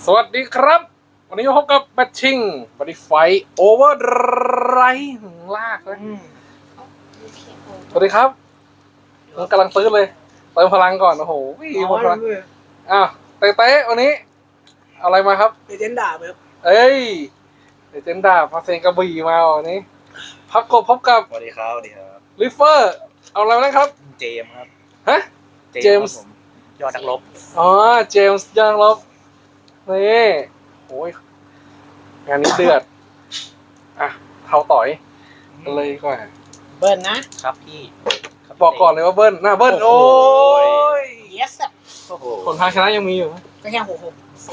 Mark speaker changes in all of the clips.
Speaker 1: สวัสดีครับวันนี้มาพบกับแบทชิงบริไฟโอเวอร์ไรลากนะสวัสดีครับผมกำลังซื้อเลยเติมพลังก่อนโอ้โหหมดพลังอ้าวเต้วันนี้เอาอะไรมาครับ
Speaker 2: เลเจนด์ดาบครับ
Speaker 1: เอ้ยเดเจนดาพาเซนกระบี่มาวันนี้พักกบพบกับ
Speaker 3: สวัสดีครับสวัสดีครับ
Speaker 1: ลิฟเฟอร์เอาอะไรมานะครับ
Speaker 3: เจมส์ครับ
Speaker 1: ฮะ เจมส์
Speaker 3: ครับผมยอดนักรบ
Speaker 1: อ๋อเจมส์ยังลบนี่โอ้ยงานนี้เดือดอ่ะเท้าต่อยกันเลยดีกว่า
Speaker 2: เบิร์นนะครับ
Speaker 3: พี่ครับ
Speaker 1: บอกก่อนเลยว่าเบิ้ลหน้าเบิ้ล
Speaker 3: โอ้
Speaker 1: โอ้
Speaker 3: โห
Speaker 1: ย
Speaker 2: yes อะ
Speaker 3: โอ้โห
Speaker 1: คนพาชนะยังมีอยู่นะ
Speaker 2: ก็แค่หก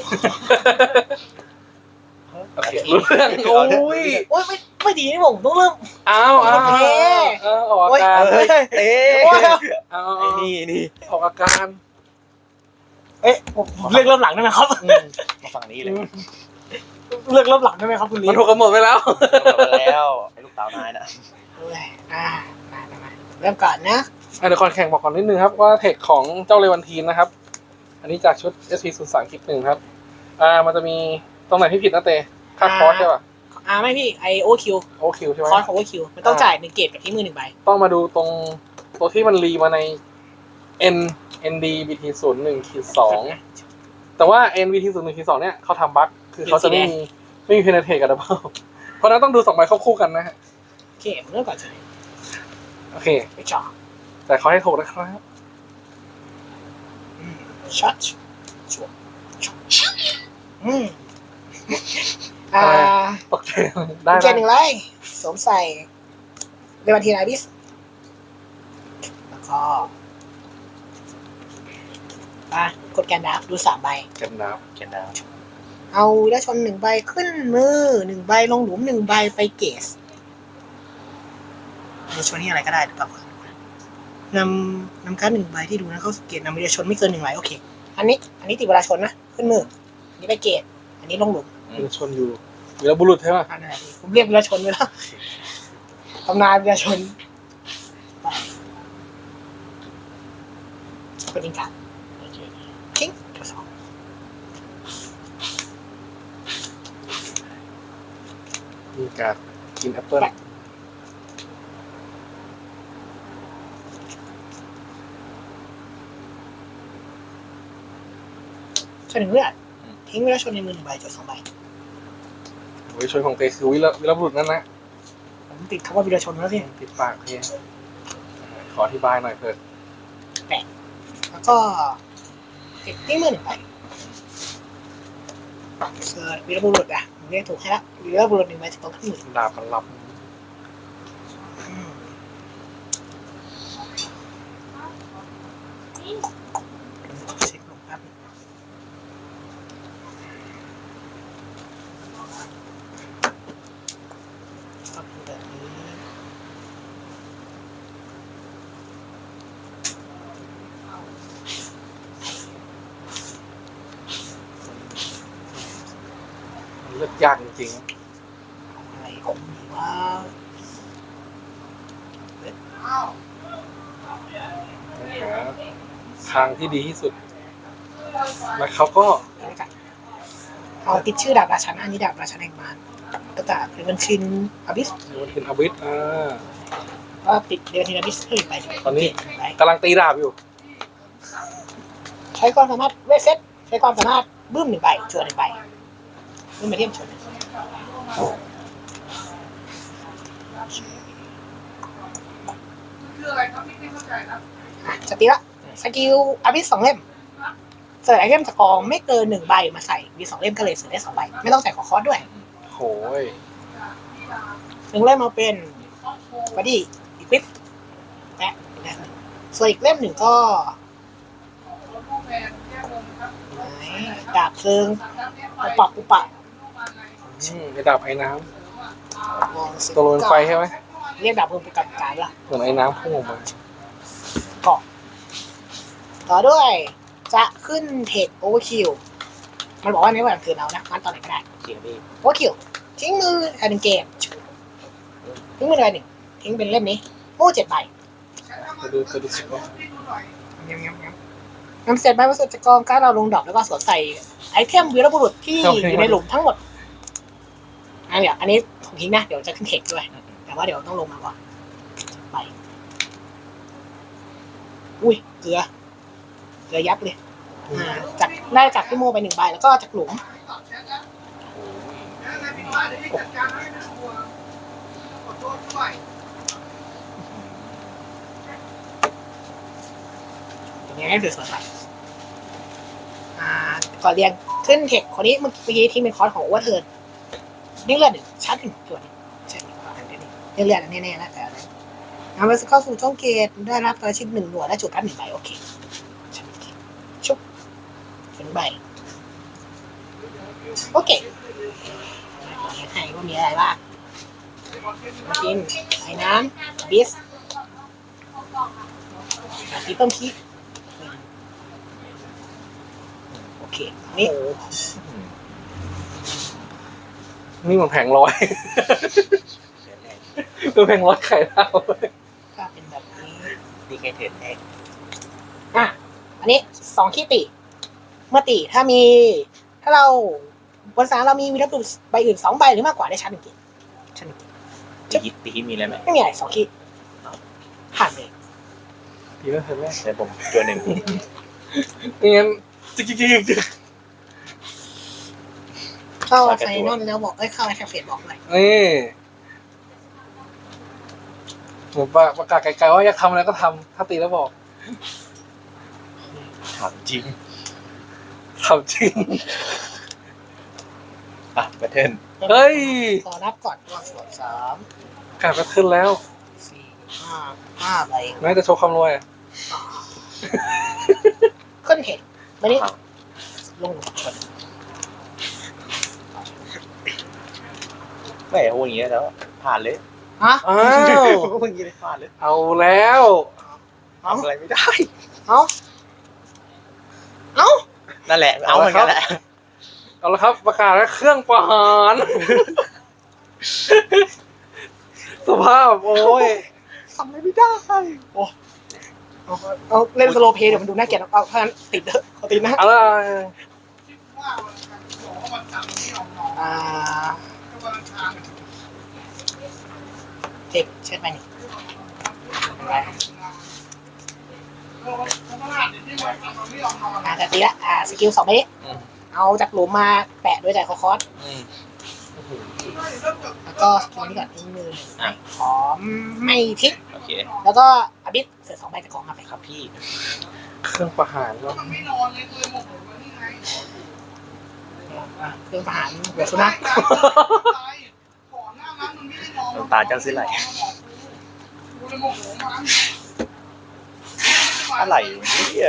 Speaker 1: โอเครู้เรื่องโอ้ย
Speaker 2: โอ้ยไม่ดีนี่ผมต้องเริ่ม
Speaker 1: อ้าว
Speaker 2: โอเค
Speaker 1: ออกอาการ
Speaker 3: เฮ้ยเต้
Speaker 2: โอ้ย
Speaker 1: เอา
Speaker 3: ไอ้นี่
Speaker 1: ออกอาการ
Speaker 2: เอ๊ะผมเลือกเริ่มหลังได้ไหมครับ
Speaker 3: มาฝั่งนี้เลย
Speaker 2: เลือกเริ่มหลังได้ไหมครับคุณลี
Speaker 1: มันถูกกำหนดไปแล้ว
Speaker 3: จบแล้วไอ้ลูกสาวนายนะ
Speaker 2: เอ้ยมาเริ่มก่อนนะ
Speaker 1: เดี๋ยวก่อนแข่งบอกก่อนนิดนึงครับว่าเทคของเจ้าเลวันทีนนะครับ อันนี้จากชุด SP03 คลิปหนึ่งครับมันจะมีตรงไหนที่ผิดนะเตค่าคอร์สใช่ป่ะ
Speaker 2: ไม่พี่ไอโอคิว
Speaker 1: โอคิวใช่ไหม
Speaker 2: คอร์สของโอคิวมันต้องจ่าย1 เกตกับที่มือ1 ใบ
Speaker 1: ต้องมาดูตรงตัวที่มันรีมาใน ND BT01-2 แต่ว่า NBT01-2 เนี่ยเขาทำบั๊กคือเขาจะไม่มีเพนเทกับดับเบิลเพราะนั้นต้องดู2 ใบเข้าคู่กันนะฮะ
Speaker 2: โอเคผมเริ่มก่อนใช่
Speaker 1: โอเค
Speaker 2: ไปจ่อ
Speaker 1: แต่เขาให้ถูกนะครับ
Speaker 2: ช็อตชัว
Speaker 1: ตกใจได้
Speaker 2: เกตหนึ่งไรสวมใส่เรวันทีนาบิสแล้วก็กดแกนดาบดู3 ใบ
Speaker 1: กันน้
Speaker 3: เขียนดาว
Speaker 2: เอาแล้วชน1 ใบขึ้นมือ1 ใบลงหลุม1 ใบไปเกสในชนนี่อะไรก็ได้หรือเปล่านำการ์ด1 ใบที่ดูนะเข้าสู่เกตนำวิดีชนไม่เกิน1 ใบโอเคอันนี้ติดเวลาชนนะขึ้นมืออันนี้ไปเกตอันนี้ลงหลุม
Speaker 1: ำเป็นชนอยู่วีรบุรุษใช่ป่ะ
Speaker 2: อันไหนผมเรียกวิดีชนไปแล้วตำนานวิดีชนเป็นอิงการทิ้งตัว2
Speaker 1: มีการกินแอปเปิ้ล
Speaker 2: ชน1 เลือดทิ้งวิดีชนในมือ1 ใบจด2 ใบ
Speaker 1: โอ้ยชนของเตคือวีรบุรุษนั่นนะ
Speaker 2: ผมติดคำว่าวิดีชนแล้วสิ
Speaker 1: ติดปากเพียขออธิบายหน่อยเถอะ
Speaker 2: แล้วก็ติดทิ้งมือ1 ใบเสิร์ชวีรบุรุษผมเรียกถูกให้ละวีรบุรุษ1 ใบจะต้องขึ้นมือ
Speaker 1: ดาบมันลับ
Speaker 2: เช็คลงแป๊บก็เป็นแบบนี้
Speaker 1: มันเลือกยากจริง
Speaker 2: อะไรของมีว่า
Speaker 1: ๆหาทางที่ดีที่สุดแล้วเขาก็
Speaker 2: เอาติดชื่อดาบราชันอันนี้ดาบราชันแห่งมารก็จะเป็นบัญชินอบิส
Speaker 1: มันเป็นอาวิธ
Speaker 2: ก็ติดเดือนทีนาบิสขึ้นไป
Speaker 1: ตอนนี้กำลังตีดาบอยู่
Speaker 2: ใช้ความสามารถเวทเซตใช้ความสามารถบึ้ม1 ใบจวน1 ใบบึ้มไปเทียมชนจะตีละสกิลอบิส2 เล่มเสิร์ชไอเทมจากกองไม่เกิน1 ใบมาใส่มี2 เล่มก็เลยเสิร์ชได้2 ใบไม่ต้องใส่ขอคอร์สด้วย
Speaker 1: โหย
Speaker 2: 1 เล่มมาเป็นบอดี้อีควิปและส่วนอีกเล่ม 1ก็ดาบเพลิงปุปะ
Speaker 1: ไอ้ดาบไอ้น้
Speaker 2: มอง
Speaker 1: ำตัวลนไฟใช่ไหม
Speaker 2: เรียกดาบเพลิงเป็นการละ
Speaker 1: เหมือนไอ้น้ำพุ่งออกมา
Speaker 2: เกาะต่อด้วยจะขึ้นเทคโอเวอร์คิวมันบอกว่าในวันคืนเอานะงั้นตอนไหนก็ได้
Speaker 3: เขียนพี่
Speaker 2: โอเวอร์คิวทิ้งมือ1 เกมทิ้งมือ1 ใบทิ้งเป็นเล่มนี้โอ้7 ใบ
Speaker 1: จะดูสิว่า
Speaker 2: งั้นนำเศษใบวัสดุจากกองการดเราลงดอกแล้วก็สวมใส่ไอเทมวีรบุรุษที่อยู่ในหลุมทั้งหมดเดี๋ยวอันนี้ผมทิ้งนะเดี๋ยวจะขึ้นเทคด้วย แต่ว่าเดี๋ยวต้องลงมาก่อนไปอุ้ยเกลือยับเลยจากได้จากพี่โมไป1 ใบแล้วก็จากหลุมอย่างนี้ให้สวยๆไปก่อนเรียงขึ้นเทคคนนี้เมื่อกี้ที่เป็นคอร์สของโอเวอร์เทิร์นนี่เลือด1ชั้น1ตัวใช่เลือดแน่ๆแล้วแต่อะไรนำไปเข้าสู่ช่องเกตได้รับตัวชิ้น1 หน่วยและจุดการ1 ใบโอเคชุบถึงใบโอเคให้ว่ามีอะไรบ้างมากินไอ้น้ำบิสตีเพิ่มคีโอเคนี่
Speaker 1: นี่มันแผงร้อย คือแผงร้อยไข่ดาว
Speaker 2: ก็เป็นแบบนี้
Speaker 3: ดีเคเทนเอง
Speaker 2: อันนี้2 ขี้ติเมื่อติถ้าเราบนสารเรามีวีรบุรุษใบอื่น2 ใบหรือมากกว่าได้ชั้น1 เกตชั้น1 เกต
Speaker 3: ตีฮิตมีอะไรไหม
Speaker 2: ไม่มีอะไร2 ขี้ผ่านเลย
Speaker 1: ดีแล้วเห็นไหม
Speaker 3: แต่ผมตัวหนึ่ง
Speaker 1: งั้นจิ๊ก
Speaker 2: เข้าไฟนอลแล้วบอกเข้าไอแคฟเฟตบอกเลย
Speaker 1: นี่ผมประกาศไกลๆว่าอยากทำอะไรก็ทำถ้าตีแล้วบอก
Speaker 3: ถามจริง
Speaker 1: ทำจริง
Speaker 3: แบทเทิล
Speaker 1: เฮ้ย
Speaker 2: ขอนับก่อนตัวส่วน3
Speaker 1: กลับมาขึ้นแล้ว
Speaker 2: 4 5 ใบ
Speaker 1: แม้จะโชว์ความรวยอะ
Speaker 2: ขึ้นเทคมานี่ลงชน
Speaker 3: ไม่พูดอย่างนี้แล้วผ่านเลย
Speaker 2: ฮะ
Speaker 1: อ้าว
Speaker 3: พูดอย่างนี้เลยผ่านเลย
Speaker 1: เอาแล้ว
Speaker 3: ทำอะไรไม่ได้
Speaker 2: เอ้า
Speaker 3: นั่นแหละเอาเหมือนกันแหละ
Speaker 1: เอาละครับประกาศแล้วเครื่องประหารสภาพโอ้ย
Speaker 3: ทำอะไรไม่ได้
Speaker 2: เอาเล่นสโลเพย์เดี๋ยวมันดูน่าเกลียดเอาเพราะฉะนั้นติดเถอะเอาติดนะ
Speaker 1: อะไร
Speaker 2: เจ็บเช็ดไปนี่แต่ตีละสกิล2 ใบนี้เอาจากหลุมมาแปะด้วยใจคอสแล้วก็สกิลนี้ก่อนทิ้งมือขอไม่ทิ้ง
Speaker 3: โอเค
Speaker 2: แล้วก็อบิสเสือ2 ใบจากกองมาไป
Speaker 3: ครับพี่
Speaker 1: เครื่องประหารก็
Speaker 2: เครื่องประหารเดี๋ยวสุนัข
Speaker 3: น้ำตาเจ้าซื้ออะไรอะไรเนี่ย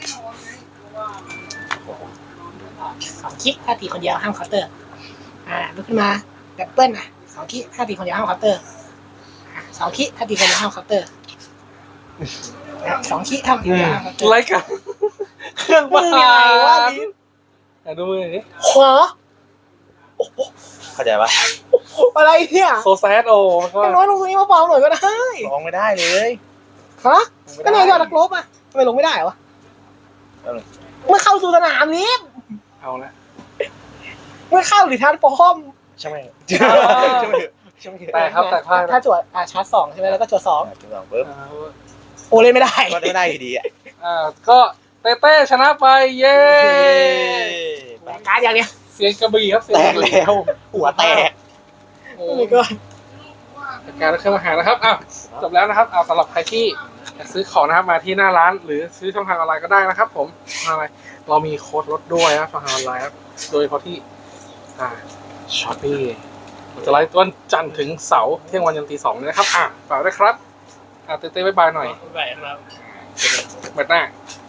Speaker 2: 2 คิกถ้าตีคนเดียวห้ามเคาน์เตอร์ลุกขึ้นมาดับเบิ้ล2 คิกถ้าตีคนเดียวห้ามเคาน์เตอร์2 คิกถ้าตีคนเดียวห้ามเคาน์เตอร์2 คิกถ้าตีคนเดียวห้ามเคาน์เตอร์
Speaker 1: ไรกันเครื่องประหาร
Speaker 2: ลิ้น
Speaker 1: ดูมือดิ
Speaker 2: หัว
Speaker 3: เข้าใจปะ
Speaker 2: อะไรเนี่ย
Speaker 1: โซแซดโอ้ก็
Speaker 2: อย่างน้อยลงตรงนี้มาเบาหน่อยก็ได้
Speaker 3: ร้องไม่ได้เลย
Speaker 2: ฮะก็นายยอดนักรบทำไมลงไม่ได้วะเมื่อเข้าสู่สนามนี้
Speaker 1: เอาละ
Speaker 2: เมื่อเข้าหรือทันป้อม
Speaker 3: ใช่ไหม
Speaker 1: แต่ครับแต่พลาด
Speaker 2: ถ้าจวดชาร์จ2ใช่ไหมแล้วก็จวด2
Speaker 3: จุดสองปุ๊บ
Speaker 2: โอเล่นไม่ได้
Speaker 3: ก็ไม่ได้อยู่ดีอ่ะ
Speaker 1: ก็เต้ชนะไปเย้
Speaker 2: แบกการ์ดอย่างเนี้ย
Speaker 1: เสียงกระบี่ครับเสียง
Speaker 3: แต
Speaker 1: ก
Speaker 3: ก
Speaker 1: ระบี่
Speaker 3: แล้วหัวแตก
Speaker 1: โอ้
Speaker 2: โอ้ยก็
Speaker 1: การเครื่องอาหารนะครับจบแล้วนะครับสำหรับใครที่อยากซื้อของนะครับมาที่หน้าร้านหรือซื้อช่องทางออนไลน์ก็ได้นะครับผมอะไรเรามีโค้ดลดด้วยนะช่องทางออนไลน์ครับโดยเฉพาะที่ช้อปปี้จะไลฟ์วันจันทร์ถึงเสาร์เที่ยงวันยันตี 2นี้นะครับฝากด้วยครับเต้บ๊ายบายหน่อย
Speaker 2: ไปครับ
Speaker 1: แบตหน้า
Speaker 2: บ